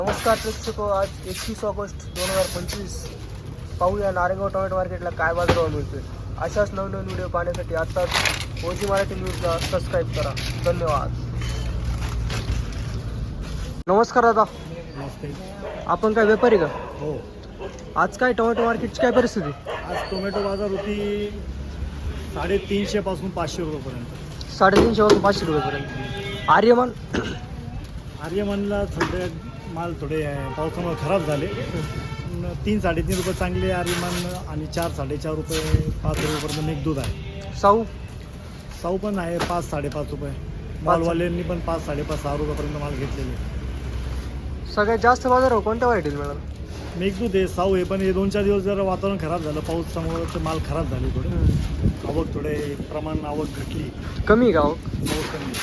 नमस्कार प्रेक्षको, आज 31 ऑगस्ट 2025 पाहूया नारेगाव टोमॅटो मार्केटला काय बाजारभाव मिळतोय. अशाच नवनवीन व्हिडिओ पाहण्यासाठी आत्ताच ओजी मराठी न्यूजला सबस्क्राईब करा. धन्यवाद. नमस्कार दादा. नमस्ते. आपण काय व्यापारी का? हो. आज काय टोमॅटो मार्केटची काय परिस्थिती? आज टोमॅटो बाजार होती 350 पासून 500 रुपयापर्यंत. 350 पासून 500 रुपयापर्यंत. आर्यमान आर्यमनला सध्या माल थोडे पावसामुळे खराब झाले. 3-3.5 रुपये चांगले आर्यमान आणि 4-4.5 रुपये 5 रुपयापर्यंत मेघदूत आहे. साऊ पण आहे 5-5.5 रुपये. मालवाल्यांनी पण 5-5.5-6 रुपयापर्यंत माल घेतलेले. सगळ्यात जास्त बाजारभाव कोणत्या व्हरायटीला मिळाला? मेघदूत आहे, साऊ आहे. पण हे 2-4 दिवस जरा वातावरण खराब झालं पावसामुळे, तर माल खराब झाले थोडे. आवक थोडे प्रमाण आवक घटली. कमी गाव. आवक कमी.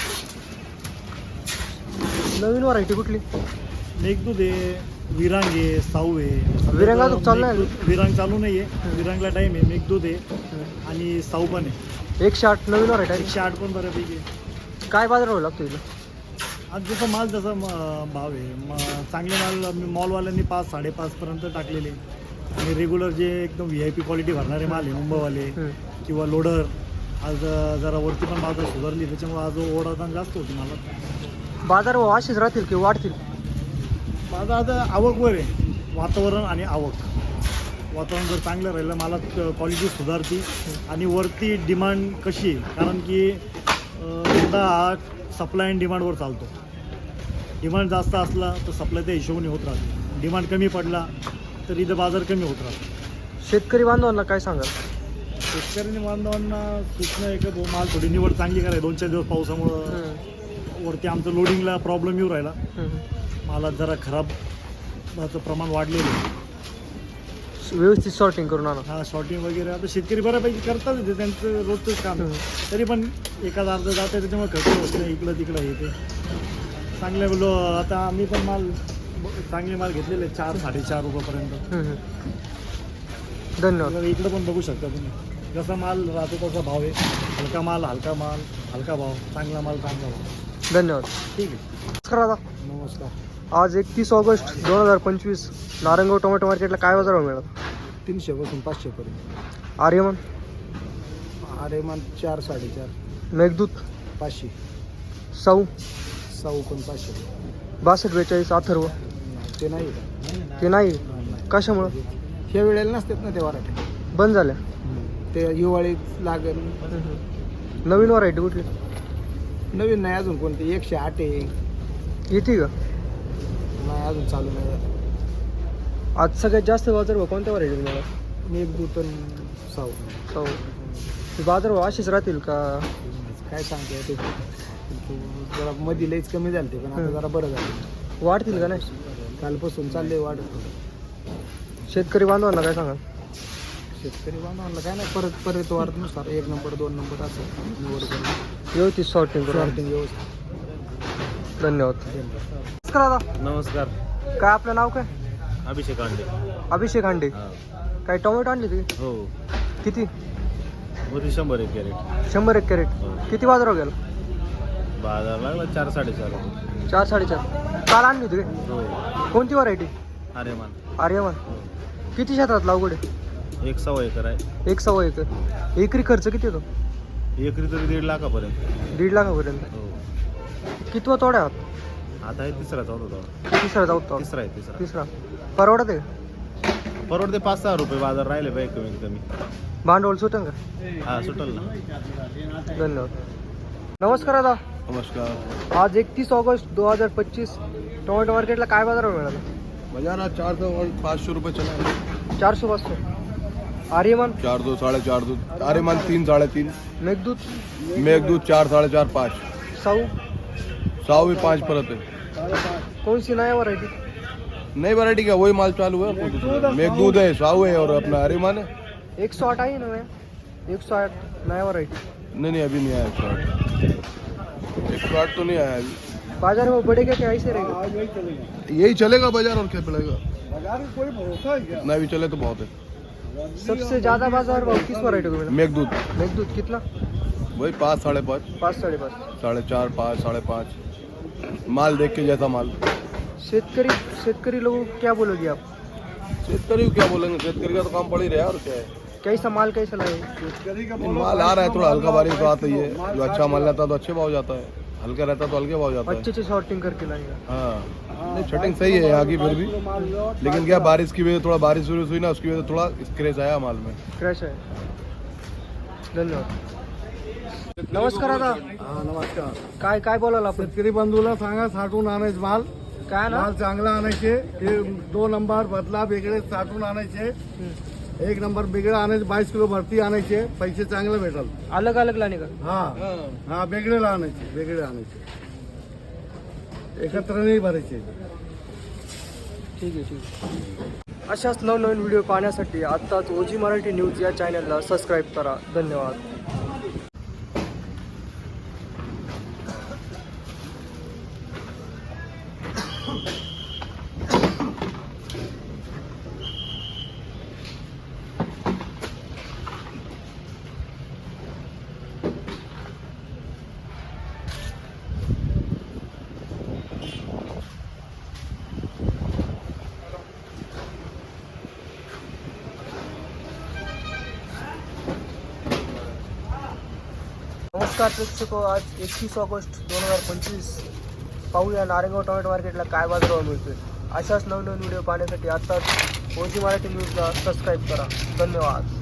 नवीन व्हरायटी कुठली? मेघदूत आहे, विरांग आहे, साऊ आहे. विरांग अजून चालू नाही? विरांग चालू नाही आहे. विरांगला टाईम आहे. मेघदूत आहे आणि साऊ पण आहे. 108 नवीन व्हरायटी. 108 पण बऱ्यापैकी आहे. काय बाजारभाव लागतो इथं? आज जसं माल तसा भाव आहे. चांगले माल मॉलवाल्यांनी 5-5.5 पर्यंत टाकलेले. आणि रेग्युलर जे एकदम VIP क्वालिटी भरणारे माल आहे, मुंबईवाले किंवा लोडर, आज जरा वरती पण बाजार सुधारली. त्याच्यामुळे आज ओढाताण जास्त होती मला. बाजारभाव असेच राहतील की वाढतील? माझं आता आवकवर आहे. वातावरण आणि आवक. वातावरण जर चांगलं राहिलं, मला क्वालिटी सुधारती. आणि वरती डिमांड कशी आहे, कारण की यंदा हा सप्लाय अँड डिमांडवर चालतो. डिमांड जास्त असला तर सप्लाय त्या हिशोबाने होत राहते. डिमांड कमी पडला तर इथं बाजार कमी होत राहतो. शेतकरी बांधवांना काय सांगाल? शेतकऱ्यांनी बांधवांना सूचना आहे का, माल थोडी निवड चांगली करायला. 2-4 दिवस पावसामुळं वरती आमचं लोडिंगला प्रॉब्लेम येऊ राहिला. मालात जरा खराबचं प्रमाण वाढलेलं आहे. व्यवस्थित सॉर्टिंग करून आणा. हा, शॉर्टिंग वगैरे आता शेतकरी बऱ्यापैकी करतात. ते त्यांचं रोजचंच काम आहे. तरी पण एखादा अर्ध जात आहे, त्याच्यामुळे खर्च होत नाही. इकडं तिकडं हे ते चांगले बोललो. आता आम्ही पण चांगले माल घेतलेले 4-4.5 रुपयापर्यंत. धन्यवाद. इकडं पण बघू शकता तुम्ही. जसा माल राहतो तसा भाव आहे. हलका माल हलका भाव, चांगला माल चांगला भाव. धन्यवाद. ठीक आहे. नमस्कार दादा. नमस्कार. आज 31 ऑगस्ट 2025 नारंगाव टोमॅटो मार्केटला काय बाजारभाव मिळाला? 300 पासून 500 पर्यंत. आर्यमान 4-4.5. मेघदूत 500. साऊ पण 500. 6242 अथर्व ते नाही का? ते नाही. कशामुळं? ह्या वेळेला नसतात ना ते वराठे. बंद झाल्या. ते हिवाळीत लागेल. नवीन व्हरायटी कुठली? नवीन नाही अजून कोणती. 108 आहे. येते का? नाही अजून चालू नाही. आज सगळ्यात जास्त बाजारभाव कोणत्या व्हरायटी मिळाला? मेघदूत साऊ. साऊ. ते बाजारभाव असेच राहतील का? काय सांगते ते. जरा मध्ये लईच कमी झालं ते, पण आता जरा बरं झालं. वाढतील का नाही? कालपासून चालले वाढत. शेतकरी बांधवांना काय सांगाल? शेतकरी बांधवांना काय नाही, परत वाढनुसार 1 नंबर 2 नंबर असं निवड करून व्यवस्थित सॉर्टिंग करून. शॉर्टिंग व्यवस्थित. धन्यवाद. नमस्कार दादा. नमस्कार. काय आपलं नाव काय? अभिषेक अंडे. अभिषेक हांडे. काय टोमॅटो आणली तुम्ही? हो. किती? मोठी 100 एक कॅरेट. 100 कॅरेट. हो. किती बाजारभाव गेला? बाजार लागला 4-4.5 रुपये. 4-4.5. काल आणली होती काय? हो. कोणती व्हरायटी? आर्यमान. आर्यमान. किती क्षेत्रात लागवड आहे? 1.25 एकर आहे. 1.25 एकर. एकरी खर्च किती येतो? एकरी तरी 1.5 लाखापर्यंत. 1.5 लाखापर्यंत. हो. कितवा तोड्या आहात? आता आहे तिसरा चौथा. तिसरा जाऊ. तिसरा. परवडत आहे? परवडते 5-6 रुपये बाजार राहिले पाहिजे कमीत कमी. भांडवल सुटन का? हा, सुटल ना. धन्यवाद. नमस्कार दादा. नमस्कार. आज 31 ऑगस्ट 2025 टोमॅटो मार्केटला काय बाजारभाव मिळाला? बाजार आज 400 और 500 रुपये चला. 400-500. आर्यमान 4-2 4.5 आर्यमान 3-3.5. मेघदूत 4-4.5 साऊ साऊ भी 5 परत है. कौन सी नया वैरायटी? नई वैरायटी का वही माल चालू है. मेघदूत है, साऊ है और अपना आर्यमान है. 108 आई ना मैं 108 नया वैरायटी. नहीं अभी नहीं आया 108 तो नहीं आया अभी. बाजार में बढ़ेगा क्या ऐसे रहेगा? यही चलेगा बाजार और क्या चलेगा. बाजार में कोई भरोसा है क्या? नहीं भी चले तो बहुत है. सबसे ज्यादा बाजार भाव किस वैरायटी को मिला? मेघदूत मेघदूत कितना? वही 5-5.5 5 साढ़े 5. 4.5 5 5.5 माल देख के जैसा माल. शेतकरी लोग क्या बोलोगे आप? शेतकरी को क्या बोलेंगे, शेतकरी का तो काम पड़ ही रहा है और क्या है। कैसा माल कैसा लाए? माल आ रहा है, थोड़ा हल्का बारिश तो आता ही है। जो अच्छा माल रहता है तो अच्छे भाव जाता है, हल्का रहता है तो हल्के भाव जाता है। अच्छे से शॉर्टिंग करके लाएगा। हाँ नहीं, छटिंग सही है यहाँ की फिर भी, लेकिन क्या बारिश की वजह से थोड़ा बारिश हुई ना, उसकी वजह से थोड़ा स्क्रैच आया माल में। क्रॅश आहे। धन्यवाद। नमस्कार दादा, नमस्कार. काय काय बोलाल आपण? शेतकरी बंधूला सांगा साठवून आणायचं माल. काय ना? माल चांगला आणायचे. हे 2 नंबर बदला वेगळे साठवून आणायचे. 1 नंबर वेगळे आणायचे. 22 किलो भरती आणायचे. पैसे चांगले भेटल. अलग अलग लाने का? हा वेगळे आणायचे. वेगळे आणायचे. एकत्र नाही भरायचे. ठीक आहे. अशाच नवनवीन व्हिडिओ पाहण्यासाठी आत्ताच ओजी मराठी न्यूज या चॅनलला सबस्क्राईब करा. धन्यवाद. नमस्कार प्रेक्षको, आज 21 ऑगस्ट 2025 पाहूया नारेगाव टोमॅटो मार्केटला काय बाजारभाव मिळतोय. अशाच नवनवीन व्हिडिओ पाहण्यासाठी आत्ताच ओजी मराठी न्यूजला सबस्क्राईब करा. धन्यवाद.